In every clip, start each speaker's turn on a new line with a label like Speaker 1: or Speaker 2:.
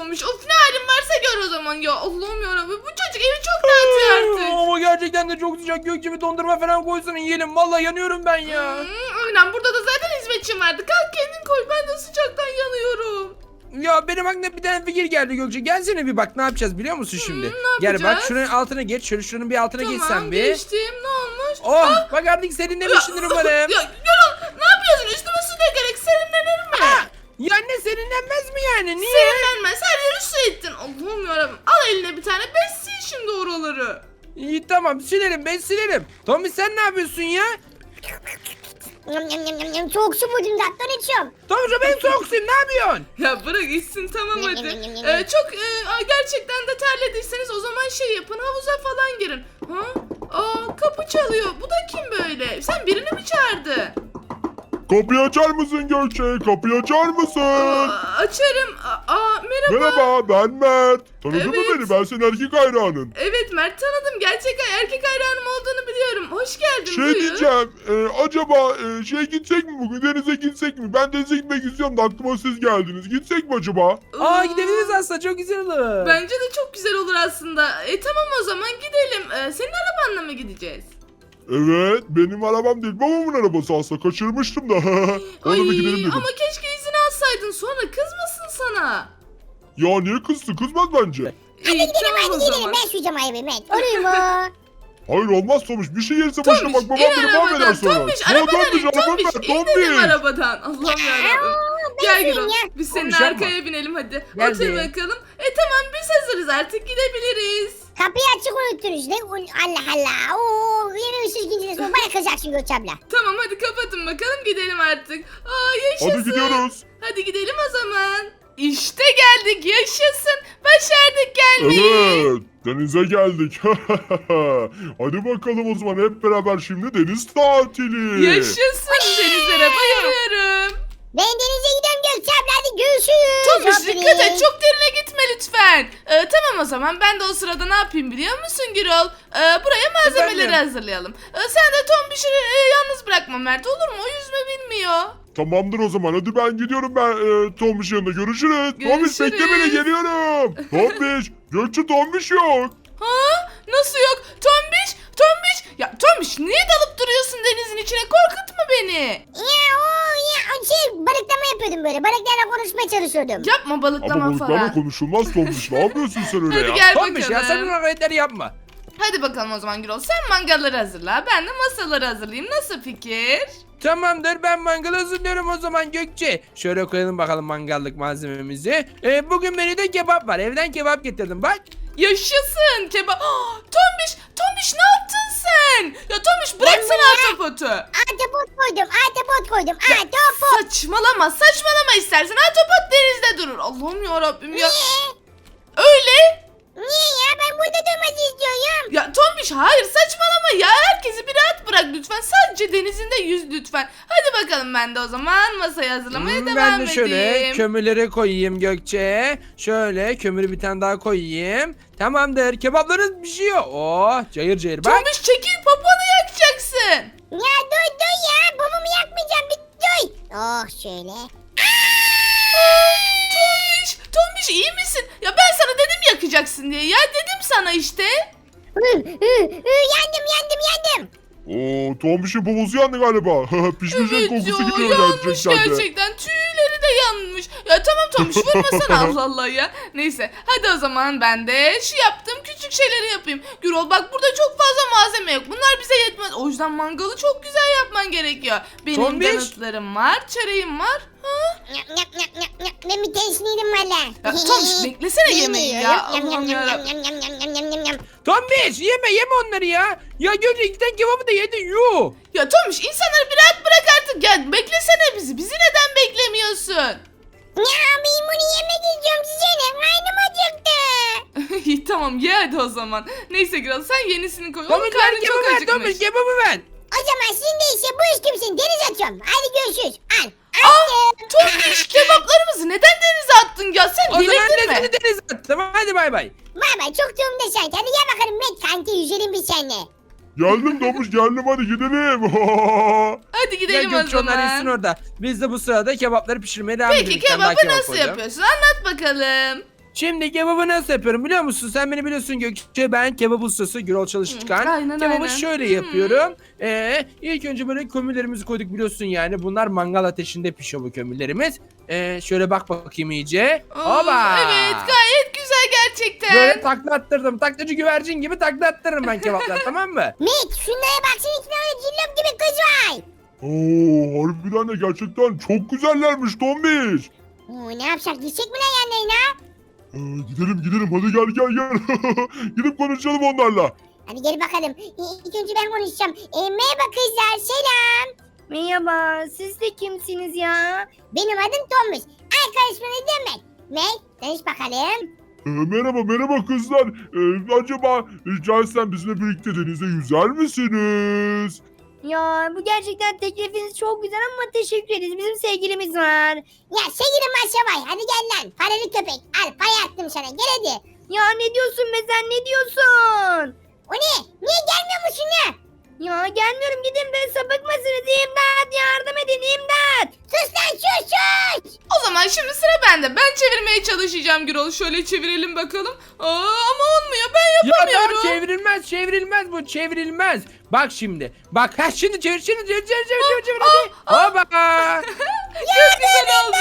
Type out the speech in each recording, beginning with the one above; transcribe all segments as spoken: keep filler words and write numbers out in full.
Speaker 1: Tomiş. Of, ne halin varsa gör o zaman ya. Allah'ım yarabbim, bu çocuk evi çok dağıtıyor artık.
Speaker 2: Ama gerçekten de çok sıcak. Gökçe bir dondurma falan koysana yiyelim. Vallahi yanıyorum ben ya.
Speaker 1: Hmm, aynen, burada da zaten hizmetçim vardı. Kalk kendin koy, ben de sıcaktan yanıyorum.
Speaker 2: Ya benim aklıma bir tane fikir geldi Gökçe. Gelsene bir bak ne yapacağız biliyor musun şimdi?
Speaker 1: Hmm, ne
Speaker 2: Gel bak
Speaker 1: yapacağız?
Speaker 2: şunun altına geç. Şöyle şunun bir altına
Speaker 1: Tamam,
Speaker 2: geçsen bir.
Speaker 1: geçtim, ne olmuş?
Speaker 2: Oh bak artık serinlemişsindir umarım.
Speaker 1: Ya Gürol, ne yapıyorsun? Üstüme su dökerek serinlenir mi?
Speaker 2: Ha, ya ne serinlenmez mi yani? Niye?
Speaker 1: Serinlenmez, her yeri su ettin. Allah'ım yarabbim, al eline bir tane, bez sil şimdi oraları.
Speaker 2: İyi tamam silerim ben silerim. Tommy sen ne yapıyorsun ya?
Speaker 3: Yam yam yam yam yam. Soğuk su buldum zaten içiyorum.
Speaker 2: Tommy ben soğuksun ne yapıyorsun?
Speaker 1: Ya bırak içsin, tamam
Speaker 3: Yem,
Speaker 1: hadi.
Speaker 3: yem, yem, yem,
Speaker 1: Ee,
Speaker 3: yem.
Speaker 1: çok e, gerçekten de terlediyseniz o zaman şey yapın, havuza falan girin. Ha? Aa, kapı çalıyor. Bu da kim böyle? Sen birini mi çağırdın?
Speaker 4: Kapıyı açar mısın Gökçe? Kapıyı açar mısın?
Speaker 1: Aa, açarım. Aa, aa, merhaba.
Speaker 4: Merhaba ben Mert. Tanıdın mı
Speaker 1: Evet.
Speaker 4: beni? Ben senin erkek hayranın.
Speaker 1: Evet Mert, tanıdım. Gerçek erkek hayranım olduğunu biliyorum. Hoş geldin.
Speaker 4: Şey
Speaker 1: buyur.
Speaker 4: diyeceğim. e, acaba e, şey gitsek mi bugün? Denize gitsek mi? Ben denize gitmek istiyorum da aklıma siz geldiniz. Gitsek mi acaba?
Speaker 2: Aa gidebiliriz aslında çok güzel olur.
Speaker 1: Bence de çok güzel olur aslında. E tamam, o zaman gidelim. Ee, senin arabanla mı gideceğiz?
Speaker 4: Evet. Benim arabam değil. Babamın arabası aslında. Kaçırmıştım da. Ona bir gidelim dedim.
Speaker 1: Ama keşke izin alsaydın, sonra kızmasın sana.
Speaker 4: Ya niye kızdı? Kızmaz bence.
Speaker 3: Hadi
Speaker 1: İyi,
Speaker 3: gidelim
Speaker 1: tamam
Speaker 3: hadi
Speaker 1: o
Speaker 3: gidelim.
Speaker 1: zaman.
Speaker 3: Ben suyacağım ayıbı Met. Olur mu?
Speaker 4: Hayır olmaz Tomuş. Bir şey yerse başına
Speaker 1: Tombiş,
Speaker 4: bak. Babam
Speaker 1: in
Speaker 4: beni mahveder
Speaker 1: arabadan.
Speaker 4: sonra.
Speaker 1: Tombiş,
Speaker 4: Ya
Speaker 1: arabadan in.
Speaker 4: Tombiş, arabam
Speaker 1: Tombiş,
Speaker 4: ver,
Speaker 1: in dedim
Speaker 4: Tombiş.
Speaker 1: arabadan. Allah'ım yarabbim. Gel
Speaker 3: suyum
Speaker 1: Gürol,
Speaker 3: ya.
Speaker 1: biz seninle
Speaker 2: Tombiş, yapma.
Speaker 1: arkaya binelim hadi.
Speaker 2: Geldi.
Speaker 1: Otur bakalım. E tamam, biz hazırız, artık gidebiliriz.
Speaker 3: Kapıyı açık unuttunuz. Ne? Allah Allah. Oo, yeni ışık ginciniz. Bana kızacaksın Gökçe abla.
Speaker 1: Tamam hadi kapatın bakalım, gidelim artık. Aa, yaşasın.
Speaker 4: Hadi gidiyoruz.
Speaker 1: Hadi gidelim o zaman. İşte geldik, yaşasın. Başardık gelmeyi.
Speaker 4: Evet, denize geldik. Hadi bakalım o zaman hep beraber şimdi deniz tatili.
Speaker 1: Yaşasın, denizlere bayılıyorum.
Speaker 3: Ben denize gidiyorum Gökçe abla. Hadi görüşürüz.
Speaker 1: Tomuş
Speaker 3: Hopini.
Speaker 1: dikkat et, çok derine gitme lütfen. Ee, tamam o zaman, ben de o sırada ne yapayım biliyor musun Gürol? Ee, buraya malzemeleri
Speaker 2: Efendim?
Speaker 1: hazırlayalım. Ee, sen de Tombiş'i e, yalnız bırakma Mert, olur mu? O yüzme bilmiyor.
Speaker 4: Tamamdır o zaman hadi ben gidiyorum ben e, Tombiş yanında görüşürüz. Tombiş bekle beni
Speaker 1: Görüşürüz.
Speaker 4: geliyorum. Tombiş Gökçe Tombiş yok.
Speaker 1: Ha? Nasıl yok? Tombiş, Tombiş. Ya Tombiş, niye dalıp duruyorsun denizin içine? Korkutma beni.
Speaker 3: Ya o ya o şey balıklama yapıyordum böyle. Balıklarla konuşmaya çalışıyordum.
Speaker 1: Yapma
Speaker 4: Ama
Speaker 1: balıklama
Speaker 4: balıklarla
Speaker 1: falan.
Speaker 4: konuşulmaz Tombiş ne yapıyorsun sen öyle
Speaker 1: Hadi
Speaker 4: ya?
Speaker 1: gel
Speaker 2: Tombiş ya sen
Speaker 1: bakalım.
Speaker 2: bu hareketleri yapma.
Speaker 1: Hadi bakalım o zaman Gürol. Sen mangalları hazırla. Ben de masaları hazırlayayım. Nasıl fikir?
Speaker 2: Tamamdır ben mangal hazırlıyorum o zaman Gökçe. Şöyle koyalım bakalım mangallık malzememizi. Ee, bugün menüde kebap var. Evden kebap getirdim bak.
Speaker 1: Yaşasın kebap. Ah, Tombiş, Tombiş ne yaptın sen? Ya Tombiş bıraksana ahtapotu.
Speaker 3: Ahtapot koydum. Ahtapot koydum. Ahtapot.
Speaker 1: Saçmalama, saçmalama istersen. Ahtapot denizde durur. Allah'ım yarabbim ya.
Speaker 3: Niye?
Speaker 1: Öyle.
Speaker 3: Niye ya? Ben burada durmak istiyorum.
Speaker 1: Ya Tombiş hayır, saçmalama ya. Herkesi bir rahat bırak lütfen. Sadece denizinde yüz lütfen. Hadi bakalım, ben de o zaman masayı hazırlamaya
Speaker 2: Hmm,
Speaker 1: devam
Speaker 2: ben de
Speaker 1: edeyim.
Speaker 2: şöyle kömürleri koyayım Gökçe. Şöyle kömürü bir tane daha koyayım. Tamamdır kebaplarınız pişiyor. Oh cayır cayır bak.
Speaker 1: Tombiş çekil, poponu yakacaksın.
Speaker 3: Ya dur dur ya. Babamı yakmayacağım. Bir dur. Oh şöyle.
Speaker 1: Tombiş, Tombiş iyi misin? Ya ben sana dedim yakacaksın diye. Ya dedim sana işte.
Speaker 3: Hı, hı, hı, yandım yandım yandım.
Speaker 4: Oo Tombiş'in poposu yandı galiba. Pişmişin kokusu
Speaker 1: ya,
Speaker 4: gidiyor
Speaker 1: yanmış
Speaker 4: gerçekten de.
Speaker 1: gerçekten. Tüyleri de yanmış. Ya tamam Tombiş, vurmasana Allah Allah ya. Neyse hadi o zaman ben de şu yaptığım küçük şeyleri yapayım. Gürol bak, burada çok fazla malzeme yok. Bunlar bize yetmez. O yüzden mangalı çok güzel yapman gerekiyor. Benim
Speaker 2: Tombiş.
Speaker 1: donutlarım var, çöreğim var. Ha?
Speaker 3: Yap yap yap yap yap. Ben bir teşniydim valla.
Speaker 1: Ya Tombiş beklesene yemeği ya.
Speaker 3: Yam yam
Speaker 1: Allah'ım
Speaker 3: yam
Speaker 1: yarabbim.
Speaker 3: yam yam yam yam yam yam yam.
Speaker 2: Tombiş yeme yeme onları ya. Ya Gökçe iki tane kebabı da yedin yuh.
Speaker 1: Ya Tomiş, insanları bir rahat bırak artık. Gel beklesene bizi. Bizi neden beklemiyorsun?
Speaker 3: Ya ben bunu yemek istiyorum size ne? Karnım acıktı.
Speaker 1: İyi tamam, ye hadi o zaman. Neyse Gürol, sen yenisini koy. Onun
Speaker 2: Tombiş ver
Speaker 1: karnı çok
Speaker 2: kebabı ver
Speaker 1: acıkmış.
Speaker 2: Tombiş kebabı ver.
Speaker 3: O zaman şimdi ise bu iş kimsin? Deniz atıyorum. Hadi görüşürüz. Al.
Speaker 1: Aa,
Speaker 3: Attım.
Speaker 1: Tomiş, kebaplarımızı neden denize attın ya? Sen
Speaker 2: O zaman
Speaker 1: delirdin mi?
Speaker 2: seni denize at. Tamam hadi bay bay.
Speaker 3: Bay bay çok durumda sen. Hadi gel bakalım Met kanka yüzelim biz seninle.
Speaker 4: Geldim Tombiş geldim hadi gidelim.
Speaker 1: Hadi
Speaker 2: Gel
Speaker 1: gidelim o
Speaker 2: Gökçe onlar insin
Speaker 1: zaman.
Speaker 2: orada. Biz de bu sırada kebapları pişirmeye devam
Speaker 1: Peki
Speaker 2: edelim. Bir tane daha
Speaker 1: kebabı
Speaker 2: kebap
Speaker 1: nasıl
Speaker 2: koyacağım.
Speaker 1: yapıyorsun? Anlat bakalım.
Speaker 2: Şimdi kebabı nasıl yapıyorum biliyor musun? Sen beni biliyorsun Gökçe, ben kebap ustası Gürol Çalışkan.
Speaker 1: Hı, aynen,
Speaker 2: Kebabı
Speaker 1: aynen.
Speaker 2: şöyle
Speaker 1: Hı.
Speaker 2: yapıyorum. Ee, ilk önce böyle kömürlerimizi koyduk biliyorsun yani. Bunlar mangal ateşinde pişiyor bu kömürlerimiz. Ee, şöyle bak bakayım iyice.
Speaker 1: Oo,
Speaker 2: Hoba!
Speaker 1: Evet gayet güzel gerçekten.
Speaker 2: Böyle takla attırdım. Taklacı güvercin gibi takla attırırım ben kebaplar tamam mı?
Speaker 3: Met şunlara baksana iki tane cillop gibi kız var.
Speaker 4: Oo, harbiden de gerçekten çok güzellermiş Tombiş.
Speaker 3: Oo, ne yapsak gitsek mi lan yanlarına?
Speaker 4: Ee, gidelim gidelim hadi gel gel gel. Gidip konuşalım onlarla.
Speaker 3: Hadi gel bakalım. İ- İlk önce ben konuşacağım. E, merhaba kızlar selam.
Speaker 5: Merhaba, siz de kimsiniz ya?
Speaker 3: Benim adım Tomuş. Arkadaşım ne demek? Met tanış bakalım.
Speaker 4: Ee, merhaba merhaba kızlar. Ee, acaba rica etsem bizimle birlikte denize yüzer misiniz?
Speaker 5: Ya bu gerçekten teklifiniz çok güzel ama teşekkür ederiz. Bizim sevgilimiz var.
Speaker 3: Ya sevgilim Maşa var. Hadi gel lan. Paralı köpek. Al pay attım sana. Gel hadi.
Speaker 5: Ya ne diyorsun be sen ne diyorsun?
Speaker 3: O ne? Niye gelmiyor musun ya?
Speaker 5: Ya gelmiyorum gidin be sapık mısınız? İmdat yardım edin imdat.
Speaker 3: Sus lan sus sus.
Speaker 1: O zaman şimdi sıra bende. Ben çevirmeye çalışacağım Gürol. Şöyle çevirelim bakalım. Aa, ama olmuyor. Ben
Speaker 2: Ya
Speaker 1: yapamıyorum.
Speaker 2: tamam çevrilmez çevrilmez bu çevrilmez. Bak şimdi. Bak ha şimdi çevir şimdi çevir çevir çevir çevir çevir hadi. Hoba.
Speaker 1: Çok güzel oldu.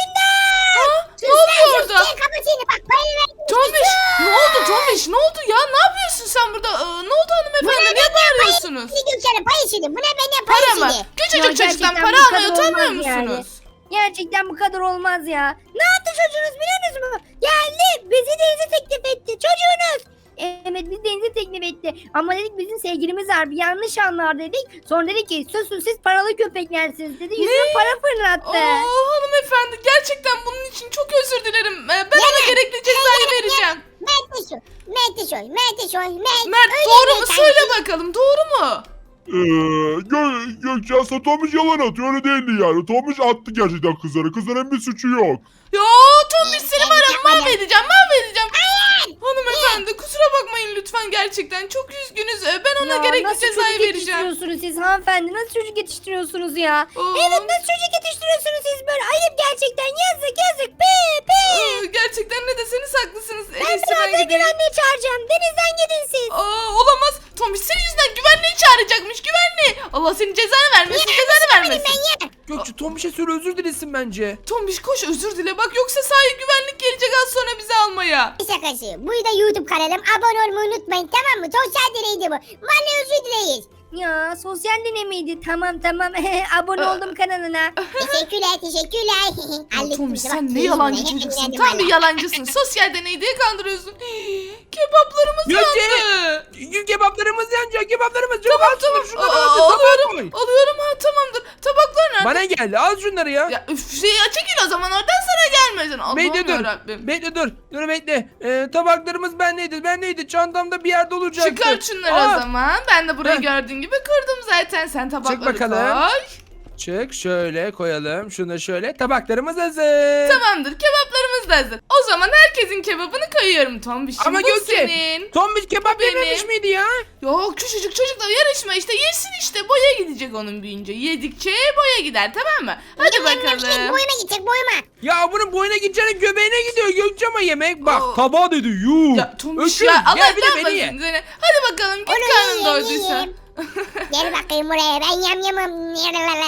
Speaker 1: Ha, ne oldu orada?
Speaker 3: Gel kapatını bak payı ver.
Speaker 1: Tombiş ne oldu Tombiş ne oldu ya ne yapıyorsun sen burada? Aa, ne oldu hanımefendi niye bağırıyorsunuz?
Speaker 3: Ne Gökçen'e pay işini. Buna benden pay
Speaker 1: Para mı?
Speaker 3: işini.
Speaker 1: Küçücük
Speaker 5: Ya
Speaker 1: çocuktan
Speaker 5: gerçekten
Speaker 1: para
Speaker 5: bu
Speaker 1: almaya
Speaker 5: kadar
Speaker 1: utanmıyor
Speaker 5: olmaz yani.
Speaker 1: musunuz?
Speaker 5: Gerçekten bu kadar olmaz ya. Ne yaptı çocuğunuz biliyor musunuz? Geldi bizi denize teklif etti çocuğunuz. Evet biz denize teklif etti. Ama dedik bizim sevgilimiz var bir yanlış anlar dedik. Sonra dedi ki susun siz paralı köpeklersiniz dedi. Yüzüne para fırlattı.
Speaker 1: Oo hanımefendi gerçekten bunun için çok özür dilerim. Ee, Ben ona gerekli cezayı vereceğim.
Speaker 3: Mert de şu. Mert de şu. Mert de şu. Mert.
Speaker 1: Mert
Speaker 3: Öyle
Speaker 1: doğru
Speaker 3: diyor
Speaker 1: mu
Speaker 3: sanki.
Speaker 1: söyle bakalım doğru mu?
Speaker 4: Ee, Gö Gökçe aslında Tomuş yalan atıyor öyle değildi yani. Tomuş attı gerçekten kızlara. Kızların bir suçu yok.
Speaker 1: Ya Tombiş seni var ya mahvedeceğim mahvedeceğim. Hanımefendi kusura bakmayın lütfen gerçekten çok üzgünüz. Ee, Ben ona
Speaker 5: Ya
Speaker 1: gerekli
Speaker 5: nasıl
Speaker 1: cezayı
Speaker 5: çocuk
Speaker 1: vereceğim.
Speaker 5: yetiştiriyorsunuz siz hanımefendi? Nasıl çocuk yetiştiriyorsunuz ya?
Speaker 1: Aa.
Speaker 5: Evet nasıl çocuk yetiştiriyorsunuz siz böyle? Ayıp gerçekten yazık yazık. Pe pe.
Speaker 1: Ee, Gerçekten ne deseniz haklısınız. En
Speaker 5: Ben
Speaker 1: iyisi ben
Speaker 5: birazdan
Speaker 1: gideyim.
Speaker 5: güvenliği çağıracağım. Denizden gidin siz.
Speaker 1: Aa, olamaz. Tombiş senin yüzünden güvenliği çağıracakmış güvenliği. Allah senin cezanı vermesin cezanı vermesin.
Speaker 3: Ben ya.
Speaker 2: Gökçe Tombiş'e söyle özür dilesin bence.
Speaker 1: Tombiş koş özür dile bak yoksa sahi güvenlik gelecek az sonra bizi almaya.
Speaker 3: Bir şakası. Bu da YouTube kanalım. Abone olmayı unutmayın tamam mı? Sosyal deneydi bu. Vallahi özür dileyiz.
Speaker 5: Ya sosyal denemeydi. Tamam tamam. Abone oldum kanalına.
Speaker 3: Teşekkürler teşekkürler.
Speaker 1: Ya
Speaker 3: Hallettim
Speaker 1: Tombiş
Speaker 3: işte,
Speaker 1: sen
Speaker 3: bak,
Speaker 1: ne
Speaker 3: keyifle,
Speaker 1: yalancı
Speaker 3: hep
Speaker 1: çocuksun.
Speaker 3: eğlendim
Speaker 1: Tam bir
Speaker 3: valla.
Speaker 1: yalancısın. Sosyal deney diye kandırıyorsun. Kebaplarımız
Speaker 2: Gökçe.
Speaker 1: yandı.
Speaker 2: Gül kebaplarımız yanacak kebaplarımız. Tamam
Speaker 1: Tamam
Speaker 2: tamam.
Speaker 1: tamam.
Speaker 2: Şunları
Speaker 1: Aa,
Speaker 2: al, tabağa
Speaker 1: alıyorum.
Speaker 2: koy.
Speaker 1: Alıyorum ha tamamdır. Tabaklar nerede?
Speaker 2: Bana geldi al şunları ya.
Speaker 1: Ya üf şey ya çekil o zaman oradan sana gelmesin. Allah'ım
Speaker 2: Bekle dur.
Speaker 1: yarabbim.
Speaker 2: Bekle dur. Dur bekle. Ee, tabaklarımız bendeydi. Bendeydi. Çantamda bir yerde olacaktı.
Speaker 1: Çıkar şunları
Speaker 2: Aa,
Speaker 1: o zaman. Ben de burayı
Speaker 2: Heh.
Speaker 1: gördüğün gibi kırdım zaten. Sen tabakları
Speaker 2: bakalım.
Speaker 1: koy.
Speaker 2: Çık şöyle koyalım. Şunu da şöyle. Tabaklarımız hazır.
Speaker 1: Tamamdır kebaplarımız da hazır. O zaman herkesin kebabını koyuyorum Tombiş.
Speaker 2: Ama
Speaker 1: bu
Speaker 2: Gökçe.
Speaker 1: senin.
Speaker 2: Tombiş kebap
Speaker 1: Benim.
Speaker 2: yememiş miydi ya?
Speaker 1: Yok küçücük çocukla yarışma işte yesin işte boya gidecek onun büyüyünce. Yedikçe boya gider tamam mı? Hadi
Speaker 3: Benim benim şey,
Speaker 1: bakalım.
Speaker 3: boyuma gidecek boyuma.
Speaker 2: Ya bunun boyuna gideceğine göbeğine gidiyor Gökçe ama yemek. Bak
Speaker 1: Oo.
Speaker 2: tabağa dedi yuh.
Speaker 1: Ya Tombiş
Speaker 2: Öküz,
Speaker 1: ya Allah
Speaker 2: gel bir de
Speaker 1: yapmasın
Speaker 2: beni ye.
Speaker 1: seni. Hadi bakalım git
Speaker 3: Onu
Speaker 1: karnın
Speaker 3: yiyeyim,
Speaker 1: doyduysa.
Speaker 3: yiyeyim. Gel bakayım buraya ben yam yamım.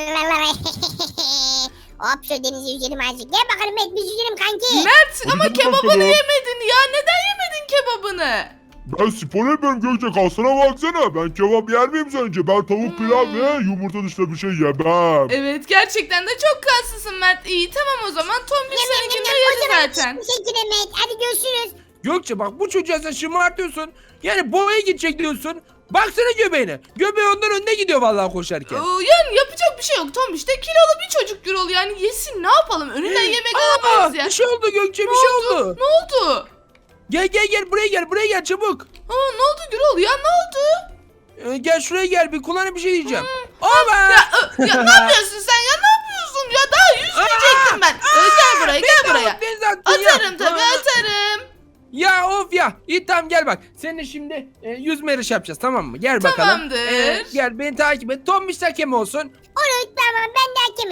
Speaker 3: Hop şu denize yüzelim azıcık. Gel bakalım Met biz yüzelim kanki.
Speaker 1: Mert ama
Speaker 4: Hadi
Speaker 1: kebabını
Speaker 4: bakalım.
Speaker 1: yemedin ya. Neden yemedin kebabını?
Speaker 4: Ben spor yapıyorum Gökçe kalsana baksana. Ben kebap yer miyim sence? Ben tavuk pilav
Speaker 1: Hmm.
Speaker 4: ve yumurta dışında bir şey yemem.
Speaker 1: Evet gerçekten de çok kaslısın Mert. İyi tamam o zaman Tombiş
Speaker 3: Yam yam yam
Speaker 1: seninkini
Speaker 3: yam. O
Speaker 1: yedi
Speaker 3: zaman
Speaker 1: zaten.
Speaker 3: teşekkür Met. Hadi görüşürüz.
Speaker 2: Gökçe bak bu çocuğa sen şımartıyorsun. Yani boyaya gidecek diyorsun. Baksana göbeğine. Göbeği ondan önüne gidiyor vallahi koşarken.
Speaker 1: Ee, Yani yapacak bir şey yok Tombiş de kilolu bir çocuk Gürol yani yesin ne yapalım önünden yemek
Speaker 2: Aa,
Speaker 1: alamayız ya.
Speaker 2: bir şey oldu Gökçe bir
Speaker 1: Ne
Speaker 2: şey
Speaker 1: oldu?
Speaker 2: oldu.
Speaker 1: Ne oldu?
Speaker 2: Gel gel gel buraya gel buraya gel çabuk.
Speaker 1: Aa, ne oldu Gürol ya ne oldu?
Speaker 2: Ee, gel şuraya gel bir kulağına bir şey diyeceğim. Ama
Speaker 1: Ya, ö, ya ne yapıyorsun sen ya ne yapıyorsun ya daha yüzmeyecektim ben. Ee, gel buraya gel buraya. Atarım tabii atarım.
Speaker 2: Ya of ya. İyi tamam gel bak. Seninle şimdi e, yüzme yarışı yapacağız tamam mı? Gel bakalım.
Speaker 1: Tamamdır.
Speaker 2: Ee, gel beni takip et. Tombiş hakem olsun.
Speaker 3: Olur tamam ben de hakemim.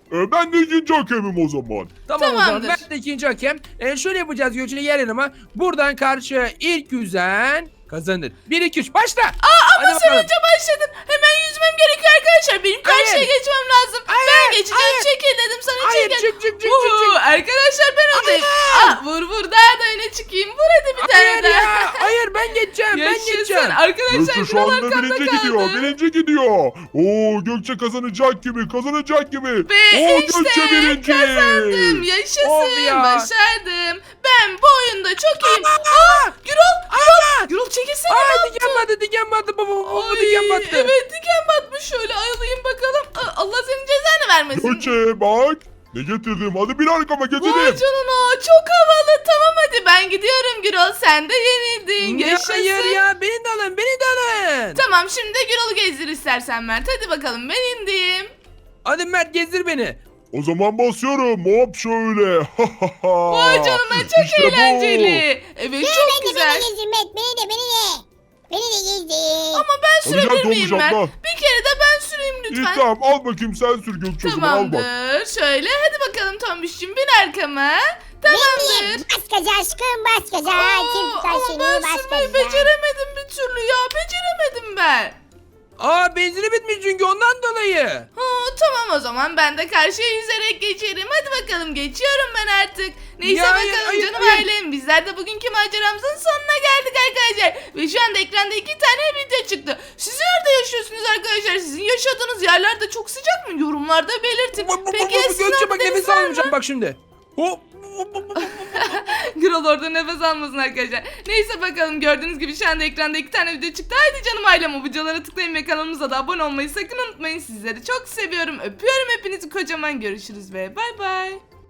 Speaker 4: E, ben de ikinci hakemim o zaman.
Speaker 2: Tamam o zaman
Speaker 1: Tamamdır.
Speaker 2: ben de ikinci hakem. E, şöyle yapacağız Gökçe, gel yanıma. Buradan karşıya ilk yüzen kazanır. bir iki üç başla. Aa,
Speaker 1: Ama sen önce başladın. Hemen yüzmem gerekiyor arkadaşlar. Benim karşıya
Speaker 2: Hayır.
Speaker 1: geçmem lazım.
Speaker 2: Hayır,
Speaker 1: Ben geçeceğim.
Speaker 2: hayır.
Speaker 1: Çekil dedim sana,
Speaker 2: Hayır,
Speaker 1: çekil.
Speaker 2: çık, çık, çık, çık,
Speaker 1: Uhu,
Speaker 2: çık.
Speaker 1: Arkadaşlar ben öndeyim.
Speaker 2: Hayır.
Speaker 1: Aa, vur vur daha da öne çıkayım. Vur hadi bir tane
Speaker 2: Hayır
Speaker 1: daha.
Speaker 2: ya. Hayır ben geçeceğim. Ben
Speaker 1: Yaşasın.
Speaker 2: geçeceğim.
Speaker 1: Arkadaşlar
Speaker 4: Gökçe şu
Speaker 1: Gürol
Speaker 4: anda
Speaker 1: arkamda
Speaker 4: birinci
Speaker 1: kaldı.
Speaker 4: gidiyor. Birinci gidiyor. Oo Gökçe kazanacak gibi. Kazanacak gibi.
Speaker 1: Ve
Speaker 4: Oo
Speaker 1: işte
Speaker 4: Gökçe birinci.
Speaker 1: kazandım. Yaşasın.
Speaker 2: Of ya.
Speaker 1: Başardım. Ben bu oyunda çok iyiyim. Aa, Gürol. Gürol. Gürol çekilsene.
Speaker 2: Aa,
Speaker 1: ne
Speaker 2: diken battı, diken battı. Bu, bu, bu, bu
Speaker 1: Ay,
Speaker 2: diken battı.
Speaker 1: Evet diken batmış, şöyle alayım bakalım. Aa, Allah senin cezanı vermesin.
Speaker 4: Gökçe bak. Ne getirdim? Hadi bir arkama
Speaker 1: Vay
Speaker 4: getirdim.
Speaker 1: canına, çok havalı. Tamam hadi ben gidiyorum Gürol, sen de yenildin.
Speaker 2: Ya,
Speaker 1: Yaşasın.
Speaker 2: hayır ya, beni de alın, beni de alın.
Speaker 1: Tamam şimdi Gürol'u gezdir istersen Mert. Hadi bakalım, ben indim.
Speaker 2: Hadi Mert gezdir beni.
Speaker 4: O zaman basıyorum. Hop şöyle.
Speaker 1: Vay canına, çok
Speaker 4: İşte bu.
Speaker 1: eğlenceli. Evet
Speaker 3: Beni
Speaker 1: çok
Speaker 3: de
Speaker 1: güzel.
Speaker 3: beni gezdir Met. Beni de beni de. Beni de gezdir.
Speaker 1: Ama ben
Speaker 4: Hadi gel
Speaker 1: sürebilir
Speaker 4: Tomuş
Speaker 1: miyim Mert?
Speaker 4: abla.
Speaker 1: Bir kere de ben süreyim
Speaker 4: İyi
Speaker 1: lütfen.
Speaker 4: tamam al bakayım sen sür Gökçe o zaman al bak.
Speaker 1: Tamamdır. Şöyle hadi bakalım Tombiş'cim, bin arkama. Tamamdır.
Speaker 3: Benim. Bas gaza aşkım bas gaza.
Speaker 1: Aa,
Speaker 3: Kim tutar
Speaker 1: ama
Speaker 3: seni
Speaker 1: ben
Speaker 3: bas
Speaker 1: sürmeyi
Speaker 3: gaza.
Speaker 1: beceremedim bir türlü ya. Beceremedim ben.
Speaker 2: Aa, benzini bitmiş çünkü ondan dolayı.
Speaker 1: Ha, tamam o zaman ben de karşıya yüzerek geçerim. Hadi bakalım, geçiyorum ben artık. Neyse
Speaker 2: Ya, hayır,
Speaker 1: bakalım
Speaker 2: hayır,
Speaker 1: canım
Speaker 2: hayır.
Speaker 1: ailem. Bizler de bugünkü maceramızın sonuna geldik arkadaşlar. Ve şu anda ekranda iki tane video çıktı. Siz nerede yaşıyorsunuz arkadaşlar? Sizin yaşadığınız yerler de çok sıcak mı? Yorumlarda belirtin.
Speaker 2: Bu- bu- bu-
Speaker 1: Peki
Speaker 2: bu-
Speaker 1: ya
Speaker 2: bu-
Speaker 1: sizin
Speaker 2: Gökçe
Speaker 1: orada
Speaker 2: bak,
Speaker 1: deniz
Speaker 2: nefes
Speaker 1: var mı?
Speaker 2: almayacağım bak şimdi. Hop.
Speaker 1: Gürol orada nefes almasın arkadaşlar. Neyse bakalım, gördüğünüz gibi şu anda ekranda iki tane video çıktı. Haydi canım ailem, o videolara tıklayın ve kanalımıza da abone olmayı sakın unutmayın. Sizleri çok seviyorum. Öpüyorum hepinizi kocaman. Görüşürüz ve bay bay.